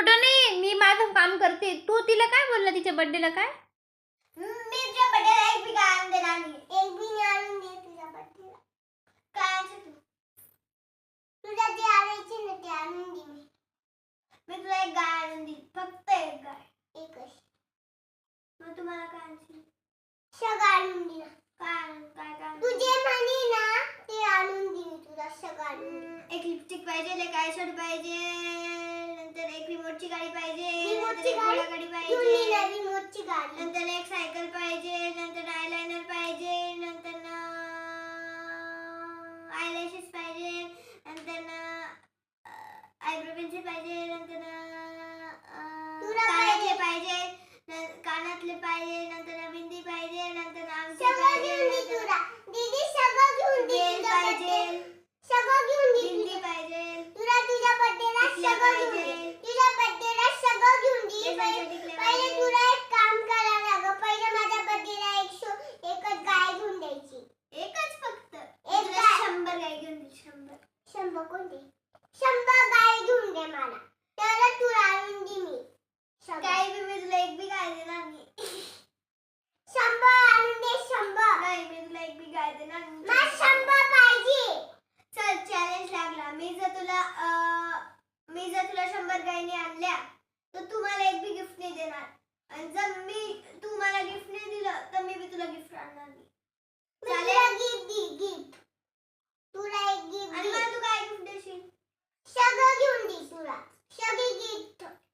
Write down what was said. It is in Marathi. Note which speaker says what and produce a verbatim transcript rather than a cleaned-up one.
Speaker 1: खोटं नाही, मी माझं काम करते. तू तिला काय बोलला तिच्या बर्थडेला काय?
Speaker 2: मी तुझ्या बर्थडेला एक बी काय आणून देणार नाही. एक बी नाही आणून दे तुझ्या बर्थडेला. काय आणायचं तू? तुला जे आणायचे ना ते आणून दे मी. मी तुला एक गाय आणून देईल. फक्त एक गाय. एकच. मग तुम्हाला काय आणायचं? सगळं आणून दे ना. काय आणून काय काय तू जे म्हणे ना ते आणून दे मी तुला सगळं आणून दे. एक लिपस्टिक पाहिजे, एक आयशॅडो पाहिजे, नंतर एक रिमोटची गाडी पाहिजे, रिमोटची गाडी पाहिजे, रिमोटची गाडी, नंतर एक सायकल पाहिजे, नंतर आयलाइनर पाहिजे, नंतर आयलॅशेस पाहिजे, नंतर आयब्रो पेन्सिल पाहिजे, नंतर कानातले पाहिजे, कानातले पाहिजे, नंतर बिंदी पाहिजे, नंतर अंगठी पाहिजे, दीदी सगळं घेऊन दे पाहिजे, सगळं घेऊन दे, बिंदी पाहिजे, तुला तुझ्या बर्थडेला सगळं घेऊन दे, तुझ्या बर्थडेला सगळं घेऊन दे. पहिले तुला एक काम करावं लागेल. पहिले माझ्या बर्थडेला एक शो एकच गाय घेऊन द्यायची. एकच फक्त एक गाय. शंभर गाय घेऊन दे. शंभर शंभर कोणते? शंभर गाय घेऊन दे मला. त्याला तुला आणून दे मी. काय बी मी तुला एक बी गाय देणार नाही. शंभर आणून दे. शंभर नाही मी तुला एक बी गाय देणार नाही. मला शंभर पाहिजे. चल चॅलेंज लागला. मी जर तुला मी जर तुला शंभर गायी आणल्या तर तू मला एक बी गिफ्ट नाही देणार. आणि जर मी तू मला गिफ्ट नाही दिलं तर मी बी तुला गिफ्ट आणणार नाही. चालेल? गिफ्ट दे. गिफ्ट तुला एक गिफ्ट. आणि मला तू काय गिफ्ट देशील? सगळं घेऊन दे तुला. सगळी गिफ्ट